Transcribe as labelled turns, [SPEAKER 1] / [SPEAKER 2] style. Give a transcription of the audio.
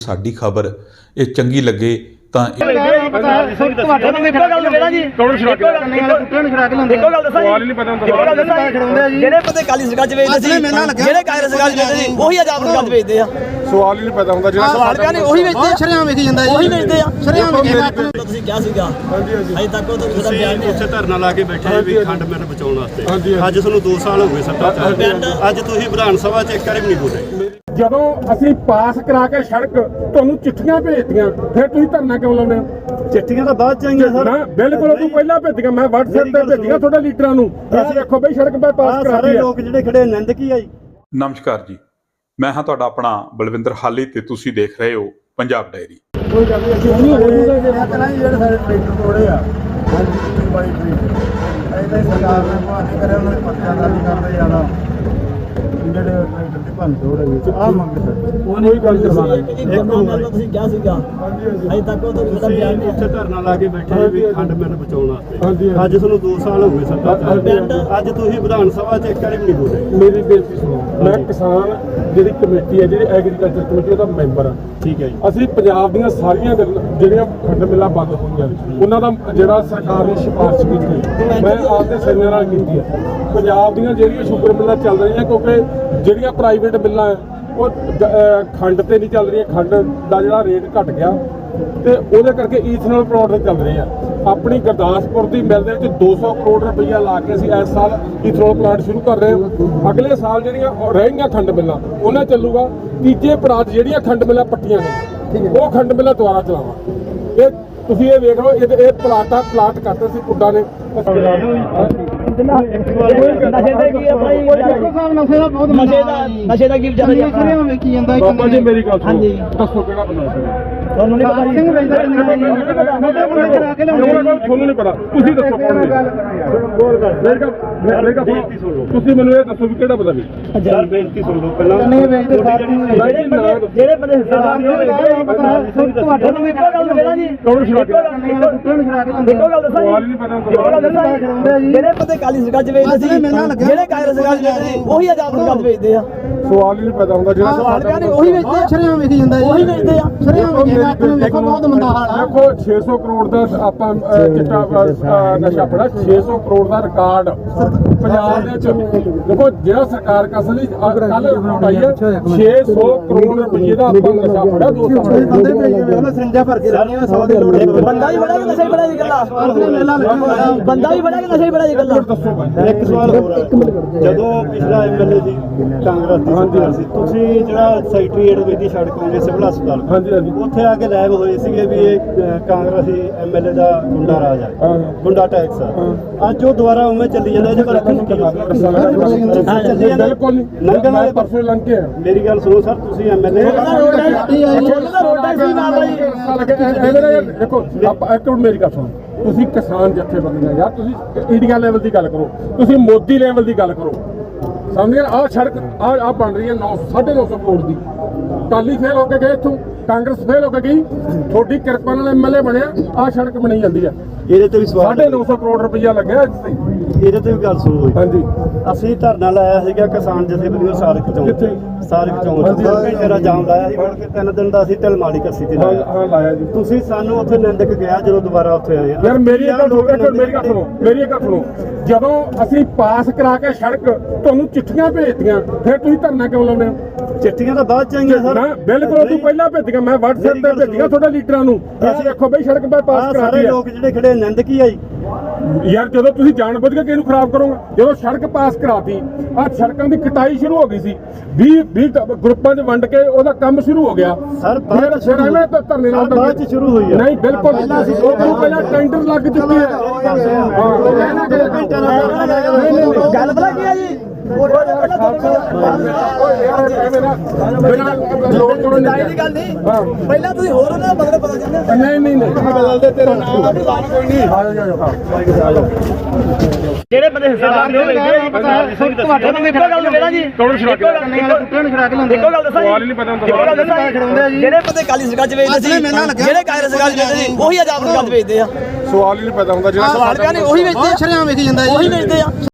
[SPEAKER 1] ਸਾਡੀ ਖਬਰ ਇਹ ਚੰਗੀ ਲੱਗੇ ਤਾਂ
[SPEAKER 2] ਜਿਹੜੇ ਬੰਦੇ ਕਾਲੀ ਸਰਕਾਰ ਚ ਵੇਚਦੇ ਸੀ ਜਿਹੜੇ ਕਾਂਗਰਸ ਸਰਕਾਰ ਚ ਵੇਚਦੇ ਸੀ ਉਹੀ ਆਜ਼ਾਦ ਸਰਕਾਰ ਚ ਵੇਚਦੇ ਆ।
[SPEAKER 3] ਸਵਾਲ ਹੀ ਨਹੀਂ ਪੈਦਾ ਹੁੰਦਾ ਜਿਹੜਾ
[SPEAKER 2] ਸਵਾਲ ਪਿਆ ਨਹੀਂ ਉਹੀ ਵੇਚਦੇ ਆ।
[SPEAKER 4] ਸ਼ਰਿਆਮ ਵੇਖੀ ਜਾਂਦਾ ਜੀ,
[SPEAKER 2] ਉਹੀ ਵੇਚਦੇ ਆ।
[SPEAKER 4] ਸ਼ਰਿਆਮ ਵੇਖੀ
[SPEAKER 2] ਤੁਸੀਂ ਕਿਹਾ ਸੀਗਾ ਅਜੇ ਤੱਕ ਉਹ ਤੁਹਾਡਾ ਬਿਆਨ ਨਹੀਂ
[SPEAKER 5] ਉੱਥੇ ਧਰਨਾ ਲਾ ਕੇ ਬੈਠੇ ਵੀ ਖੰਡ ਮਿਲ ਬਚਾਉਣ ਵਾਸਤੇ। ਅੱਜ ਤੁਹਾਨੂੰ 2 ਸਾਲ ਹੋ ਗਏ ਸੱਤਾ ਚ, ਅੱਜ ਤੁਸੀਂ ਵਿਧਾਨ ਸਭਾ ਚ ਇੱਕ ਵਾਰੀ ਵੀ ਨਹੀਂ ਬੋਲੇ।
[SPEAKER 3] ਜਦੋਂ ਅਸੀਂ ਪਾਸ ਕਰਾ ਕੇ ਸੜਕ ਤੁਹਾਨੂੰ ਚਿੱਠੀਆਂ ਭੇਜਦੀਆਂ ਫਿਰ ਤੁਸੀਂ ਧਰਨਾ ਕਿਉਂ ਲਾਉਂਦੇ ਹੋ?
[SPEAKER 5] ਚਿੱਠੀਆਂ ਤਾਂ ਬਾਅਦ ਚ ਆਈਆਂ ਸਰ।
[SPEAKER 3] ਨਾ ਬਿਲਕੁਲ ਤੂੰ ਪਹਿਲਾਂ ਭੇਜੀਆਂ, ਮੈਂ WhatsApp ਤੇ ਭੇਜੀਆਂ ਤੁਹਾਡੇ ਲੀਡਰਾਂ ਨੂੰ। ਅਸੀਂ ਦੇਖੋ ਬਈ ਸੜਕ ਪਾਸ ਕਰਾ
[SPEAKER 5] ਸਾਰੇ ਲੋਕ ਜਿਹੜੇ ਖੜੇ ਆਨੰਦ ਕੀ ਆਈ।
[SPEAKER 1] ਨਮਸਕਾਰ ਜੀ, ਮੈਂ ਹਾਂ ਤੁਹਾਡਾ ਆਪਣਾ ਬਲਵਿੰਦਰ ਹਾਲੀ ਤੇ ਤੁਸੀਂ ਦੇਖ ਰਹੇ ਹੋ ਪੰਜਾਬ ਡਾਇਰੀ।
[SPEAKER 3] ਕੋਈ ਗੱਲ ਨਹੀਂ, ਅਸੀਂ ਨਹੀਂ ਹੋਜੂਗਾ
[SPEAKER 4] ਜਿਹੜੇ ਸਾਡੇ ਟਰੈਕਟਰ ਤੋੜੇ ਆ ਇਹਦਾ ਸਰਕਾਰ ਨੇ ਭਾਣੇ ਕਰਿਆ, ਉਹਨਾਂ ਦੇ ਪੱਤਿਆਂ ਦਾ ਨਹੀਂ ਕਰਦੇ ਜ਼ਿਆਦਾ ਜਿਹੜੇ ਟਰੈਕਟਰ ਦੀ ਭੰਨ ਤੋੜ ਹੈ ਆਹ ਮੰਗਦੇ
[SPEAKER 3] ਕੋਈ ਗੱਲ ਕਰਵਾਉਣਾ
[SPEAKER 2] ਤੁਸੀਂ ਕਿਹਾ ਸੀਗਾ ਅਜੇ ਤੱਕ ਉਹ ਤੁਹਾਡਾ ਬਿਆਨ ਨਹੀਂ
[SPEAKER 5] ਉੱਥੇ ਧਰਨਾ ਲਾ ਕੇ ਬੈਠੇ ਵੀ ਖੰਡ ਮਿਲ ਬਚਾਉਣ ਵਾਸਤੇ।
[SPEAKER 3] ਹਾਂਜੀ।
[SPEAKER 5] ਅੱਜ ਤੁਹਾਨੂੰ 2 ਸਾਲ ਹੋ ਗਏ ਸੱਤਾ ਚ, ਅੱਜ ਤੁਸੀਂ ਵਿਧਾਨ ਸਭਾ ਚ ਇੱਕ ਵਾਰੀ ਵੀ ਨਹੀਂ ਬੋਲੇ।
[SPEAKER 3] ਮੇਰੀ ਬੇਨਤੀ ਸੁਣੋ, ਮੈਂ ਕਿਸਾਨ ਜਿਹੜੀ ਕਮੇਟੀ ਹੈ, ਜਿਹੜੀ ਐਗਰੀਕਲਚਰ ਕਮੇਟੀ, ਉਹਦਾ ਮੈਂਬਰ ਆ।
[SPEAKER 5] ਠੀਕ ਹੈ ਜੀ।
[SPEAKER 3] ਅਸੀਂ ਪੰਜਾਬ ਦੀਆਂ ਸਾਰੀਆਂ ਜਿਹੜੀਆਂ ਖੰਡ ਮਿੱਲਾਂ ਬੰਦ ਹੋਈਆਂ ਉਹਨਾਂ ਦਾ ਜਿਹੜਾ ਸਰਕਾਰ ਨੇ ਸਿਫਾਰਿਸ਼ ਕੀਤੀ ਮੈਂ ਆਪਦੇ ਸੈਨਿਆਂ ਨਾਲ ਕੀਤੀ ਹੈ। ਪੰਜਾਬ ਦੀਆਂ ਜਿਹੜੀਆਂ ਸ਼ੂਗਰ ਮਿੱਲਾਂ ਚੱਲ ਰਹੀਆਂ ਕਿਉਂਕਿ ਜਿਹੜੀਆਂ ਪ੍ਰਾਈਵੇਟ ਮਿੱਲਾਂ ਉਹ ਖੰਡ ਤੇ ਨਹੀਂ ਚੱਲ ਰਹੀਆਂ, ਖੰਡ ਦਾ ਜਿਹੜਾ ਰੇਟ ਘਟ ਗਿਆ ਤੇ ਉਹਦੇ ਕਰਕੇ ਈਥਨੋਲ ਪ੍ਰੋਡਕਟ ਚੱਲ ਰਹੇ ਆ। ਆਪਣੀ ਗੁਰਦਾਸਪੁਰ ਦੀ ਮਿਲ ਦੇ ਵਿੱਚ 200 ਕਰੋੜ ਰੁਪਈਆ ਲਾ ਕੇ ਅਸੀਂ ਇਸ ਸਾਲ ਈਥਨੋਲ ਪਲਾਂਟ ਸ਼ੁਰੂ ਕਰ ਰਹੇ ਹਾਂ। ਅਗਲੇ ਸਾਲ ਜਿਹੜੀਆਂ ਰਹਿ ਗਈਆਂ ਖੰਡ ਮਿੱਲਾਂ ਉਹਨਾਂ ਚੱਲੂਗਾ। ਤੀਜੇ ਪੜਾਅ ਜਿਹੜੀਆਂ ਖੰਡ ਮਿੱਲਾਂ ਪੱਟੀਆਂ ਨੇ ਉਹ ਖੰਡ ਮਿੱਲਾਂ ਦੁਬਾਰਾ ਚਲਾਵਾਂ। ਇਹ ਤੁਸੀਂ ਇਹ ਵੇਖ ਲਓ, ਇਹ ਪਲਾਟ ਕਰਤੇ ਸੀ ਪੁੱਡਾ ਨੇ।
[SPEAKER 2] ਨਸ਼ੇ ਦਾ ਕੀ ਵਿਚਾਰਾ ਜੀ
[SPEAKER 4] ਸ਼ਰਿਆਮ ਵੇਖੀ ਜਾਂਦਾ
[SPEAKER 3] ਬਾਬਾ ਜੀ ਮੇਰੀ ਗੱਲ ਸੁਣੋ, ਦੱਸੋ ਕਿਹੜਾ ਬੰਦਾ ਸੀ?
[SPEAKER 2] ਤੁਹਾਨੂੰ ਨਹੀਂ ਪਤਾ
[SPEAKER 4] ਸਿੰਘ ਵੇਚਦਾ
[SPEAKER 3] ਤੁਹਾਨੂੰ ਨਹੀਂ ਪਤਾ, ਤੁਸੀਂ ਦੱਸੋ ਕੌਣ ਨੇ? ਤੁਸੀਂ ਮੈਨੂੰ ਇਹ ਦੱਸੋ ਵੀ ਕਿਹੜਾ ਬੰਦਾ ਵੀ?
[SPEAKER 5] ਸਰ ਬੇਨਤੀ ਸੁਣ ਲਓ ਪਹਿਲਾਂ।
[SPEAKER 2] ਜਿਹੜੇ ਬੰਦੇ ਹਿੱਸਾ ਤੁਹਾਨੂੰ ਇੱਕੋ ਗੱਲ ਮਿਲਣਾ ਜੀ,
[SPEAKER 3] ਕੌਣ ਛੜਾ ਕੇ?
[SPEAKER 2] ਇੱਕੋ ਗੱਲ ਦੱਸਾਂ
[SPEAKER 3] ਸਵਾਲ ਹੀ ਨਹੀਂ ਪਤਾ
[SPEAKER 2] ਜੀ, ਜਿਹੜੇ ਬੰਦੇ ਕਾਲੀ ਸਰਕਾਰ ਚ ਵੇਚਦੇ ਸੀ ਜਿਹੜੇ ਕਾਂਗਰਸ ਸਰਕਾਰ ਚ ਵੇਚਦੇ ਸੀ ਉਹੀ ਆਜ਼ਾਦ ਸਰਕਾਰ ਚ ਵੇਚਦੇ ਆ।
[SPEAKER 3] ਸਵਾਲ ਹੀ ਨਹੀਂ ਪੈਦਾ ਹੁੰਦਾ ਜਿਹੜਾ
[SPEAKER 2] ਸਵਾਲ ਪਿਆ ਨਹੀਂ ਉਹੀ ਵੇਚਦੇ ਆ।
[SPEAKER 4] ਸ਼ਰਿਆਮ ਵੇਖੀ ਜਾਂਦਾ ਜੀ,
[SPEAKER 2] ਉਹੀ ਵੇਚਦੇ ਆ।
[SPEAKER 4] ਸ਼ਰਿਆਮ ਵੇਖੀ ਦੇਖੋ ਬਹੁਤ ਮੰਦਾ ਹਾਲ ਆ।
[SPEAKER 3] ਦੇਖੋ 600 ਕਰੋੜ ਦਾ ਆਪਾਂ ਚਿੱਟਾ ਨਸ਼ਾ ਫੜਾ, 600 ਕਰੋੜ ਦਾ ਰਿਕਾਰਡ ਪੰਜਾਬ ਦੇ ਵਿੱਚ। ਦੇਖੋ ਜਿਹੜਾ ਸਰਕਾਰ ਕਸਲੀ ਕੱਲ ਪਾਈ ਹੈ 600 ਕਰੋੜ ਰੁਪਏ ਦਾ ਆਪਾਂ ਨਸ਼ਾ ਫੜਾ 2 ਸਾਲ
[SPEAKER 4] ਬੰਦੇ ਭੇਜੇ ਉਹਨਾਂ ਸਰਿੰਜਾਂ ਭਰ ਕੇ ਲਾਣੀਆਂ 100 ਦੀ ਲੋੜ
[SPEAKER 2] ਬੰਦਾ ਵੀ ਬੜਾ ਕਿ ਨਸ਼ਾ ਹੀ ਬੜਾ ਜੀ ਗੱਲਾਂ, ਬੰਦਾ ਵੀ ਬੜਾ ਕਿ ਨਸ਼ਾ ਹੀ ਬੜਾ ਜੀ ਗੱਲਾਂ।
[SPEAKER 3] ਦੱਸੋ
[SPEAKER 5] ਇੱਕ ਸਵਾਲ ਹੋਰ ਆ। ਜਦੋਂ ਪਿਛਲਾ ਐਮਐਲਏ ਸੀ ਕਾਂਗਰਸ ਦੀ ਸਰਕਾਰ ਸੀ, ਤੁਸੀਂ ਜਿਹੜਾ ਸੈਕਟਰੀਏਟ ਵੇਦੀ ਸੜਕ ਹੋਵੇ ਸਿਵਲ ਹਸਪਤਾਲ,
[SPEAKER 3] ਹਾਂਜੀ
[SPEAKER 5] ਉੱਥੇ ਆ ਕੇ ਲੈਬ ਹੋਏ ਸੀਗੇ ਵੀ ਇਹ ਕਾਂਗਰਸੀ ਐਮਐਲਏ ਦਾ ਗੁੰਡਾ ਰਾਜ ਆ, ਗੁੰਡਾ ਟੈਕਸ ਆ। ਅੱਜ ਉਹ ਦੁਬਾਰਾ ਉਵੇਂ ਚੱਲੀ ਜਾਂਦਾ, ਇਹਦੇ ਬਾਰੇ ਤੁਹਾਨੂੰ ਕੀ ਚੱਲੀ ਜਾਂਦਾ?
[SPEAKER 3] ਬਿਲਕੁਲ ਨਹੀਂ,
[SPEAKER 5] ਲੰਘਣ ਵਾਲੇ
[SPEAKER 3] ਪਰਸੋਂ ਲੰਘ ਕੇ
[SPEAKER 5] ਮੇਰੀ ਗੱਲ ਸੁਣੋ ਸਰ, ਤੁਸੀਂ ਐਮਐਲਏ
[SPEAKER 3] ਦੇਖੋ ਆਪਾਂ ਇੱਕ ਮਿੰਟ ਮੇਰੀ ਗੱਲ ਸੁਣੋ। ਤੁਸੀਂ ਕਿਸਾਨ ਜਥੇਬੰਦੀਆਂ ਯਾਰ, ਤੁਸੀਂ ਇੰਡੀਆ ਲੈਵਲ ਦੀ ਗੱਲ ਕਰੋ, ਤੁਸੀਂ ਮੋਦੀ ਲੈਵਲ ਦੀ ਗੱਲ ਕਰੋ। ਸਮਝ ਗਏ? ਆਹ ਸੜਕ ਆਹ ਬਣ ਰਹੀ ਹੈ 950 ਕਰੋੜ ਦੀ। ਅਕਾਲੀ ਫੇਲ ਹੋ ਕੇ ਗਏ ਇੱਥੋਂ, ਕਾਂਗਰਸ ਫੇਲ ਹੋ ਕੇ ਗਈ, ਤੁਹਾਡੀ ਕਿਰਪਾ ਨਾਲ ਐਮਐਲਏ ਬਣਿਆ, ਆਹ ਸੜਕ ਬਣੀ ਜਾਂਦੀ ਹੈ।
[SPEAKER 5] ਇਹਦੇ ਤੇ ਵੀ ਸਵਾਲ
[SPEAKER 3] 950 ਕਰੋੜ ਰੁਪਈਆ ਲੱਗਿਆ ਇੱਥੇ।
[SPEAKER 5] ਇਹਦੇ ਤੇ ਵੀ ਗੱਲ ਸੁਣੋ।
[SPEAKER 3] ਹਾਂਜੀ
[SPEAKER 5] ਅਸੀਂ ਧਰਨਾ ਲਾਇਆ ਸੀਗਾ ਕਿਸਾਨ ਜਥੇਬੰਦੀਆਂ ਸਾਰਕ ਚੌਂਕ, ਸਾਰਕ ਚੌਂਕ ਤੇਰਾ ਜਾਮ ਲਾਇਆ ਸੀ। ਮੁੜ ਕੇ 3 ਦਿਨ ਦਾ ਅਸੀਂ ਢਲਮਾਲੀ ਕੱਸੀ ਤੇ ਲਾਇਆ।
[SPEAKER 3] ਹਾਂ ਲਾਇਆ ਜੀ।
[SPEAKER 5] ਤੁਸੀਂ ਸਾਨੂੰ ਉੱਥੇ ਨਿੰਦਕ ਗਿਆ ਜਦੋਂ ਦੁਬਾਰਾ ਉੱਥੇ ਆਏ।
[SPEAKER 3] ਯਾਰ ਮੇਰੀ ਇੱਕ ਗੱਲ ਸੁਣੋ, ਜਦੋਂ ਅਸੀਂ ਪਾਸ ਕਰਾ ਕੇ ਸੜਕ ਤੁਹਾਨੂੰ ਚਿੱਠੀਆਂ ਭੇਜਦੀਆਂ ਫਿਰ ਤੁਸੀਂ ਧਰਨਾ ਕਿਉਂ ਲਾਉਂਦੇ ਹੋ?
[SPEAKER 5] ਚਿੱਠੀਆਂ ਤਾਂ ਬਾਅਦ ਚ ਆਈਆਂ ਸਰ।
[SPEAKER 3] ਨਾ ਬਿਲਕੁਲ ਤੂੰ ਪਹਿਲਾਂ ਭੇਜੀਆਂ, ਮੈਂ WhatsApp ਤੇ ਭੇਜੀਆਂ ਤੁਹਾਡੇ ਲੀਡਰਾਂ ਨੂੰ। ਅਸੀਂ ਦੇਖੋ ਬਈ ਸੜਕ ਪਾਸ ਕਰਾ
[SPEAKER 5] ਸਾਰੇ ਲੋਕ ਜਿਹੜੇ ਖੜੇ ਆਨੰਦ ਕੀ ਆਈ।
[SPEAKER 3] ਯਾਰ ਜਦੋਂ ਤੁਸੀਂ ਜਾਣਬੁੱਝ ਕੇ ਕਿਹਨੂੰ ਖਰਾਬ ਕਰੋਗੇ? ਜਦੋਂ ਸੜਕ ਪਾਸ ਕਰਾਤੀ, ਆਹ ਸੜਕਾਂ ਦੀ ਕਟਾਈ ਸ਼ੁਰੂ ਹੋ ਗਈ ਸੀ, 20 ਗਰੁੱਪਾਂ 'ਚ ਵੰਡ ਕੇ ਉਹਦਾ ਕੰਮ ਸ਼ੁਰੂ ਹੋ ਗਿਆ
[SPEAKER 5] ਸਰ
[SPEAKER 3] ਬਾਅਦ ਚ
[SPEAKER 5] ਸ਼ੁਰੂ ਹੋਈ ਹੈ।
[SPEAKER 3] ਨਹੀਂ ਬਿਲਕੁਲ ਪਹਿਲਾਂ ਟੈਂਡਰ ਲੱਗ ਚੁੱਕੇ ਹੈ।
[SPEAKER 2] ਗੱਲ ਪਤਾ ਕੀ ਆ ਜੀ, ਪਹਿਲਾਂ ਤੁਸੀਂ ਹੋਰ ਉਹਨਾਂ ਦਾ ਬਦਲ ਪਤਾ ਜਾਂਦੇ।
[SPEAKER 3] ਨਹੀਂ
[SPEAKER 5] ਬਦਲਦੇ ਤੇਰਾ ਨਾਮ ਕੋਈ ਨਹੀਂ।
[SPEAKER 2] ਜਿਹੜੇ ਬੰਦੇ ਹਿੱਸਾ ਤੁਹਾਨੂੰ ਇੱਕੋ ਗੱਲ ਮਿਲਣਾ ਜੀ,
[SPEAKER 3] ਕੌਣ ਛੜਾ ਕੇ?
[SPEAKER 2] ਇੱਕੋ ਗੱਲ ਦੱਸਾਂ
[SPEAKER 3] ਸਵਾਲ ਹੀ ਨਹੀਂ ਪਤਾ ਹੁੰਦਾ।
[SPEAKER 2] ਜਿਹੜੇ ਬੰਦੇ ਕਾਲੀ ਸਰਕਾਰ ਚ ਵੇਚਦੇ ਸੀ ਜਿਹੜੇ ਕਾਂਗਰਸ ਸਰਕਾਰ ਚ ਵੇਚਦੇ ਸੀ ਉਹੀ ਆਜ਼ਾਦ ਸਰਕਾਰ ਚ ਵੇਚਦੇ ਆ।
[SPEAKER 3] ਸਵਾਲ ਹੀ ਨਹੀਂ ਪਤਾ ਹੁੰਦਾ ਜਿਹੜਾ
[SPEAKER 2] ਸਵਾਲ ਪਿਆ ਨਹੀਂ ਉਹੀ ਵੇਚਦੇ ਆ।
[SPEAKER 4] ਸ਼ਰਿਆਮ ਵੇਖੀ ਜਾਂਦਾ ਜੀ,
[SPEAKER 2] ਉਹੀ ਵੇਚਦੇ ਆ।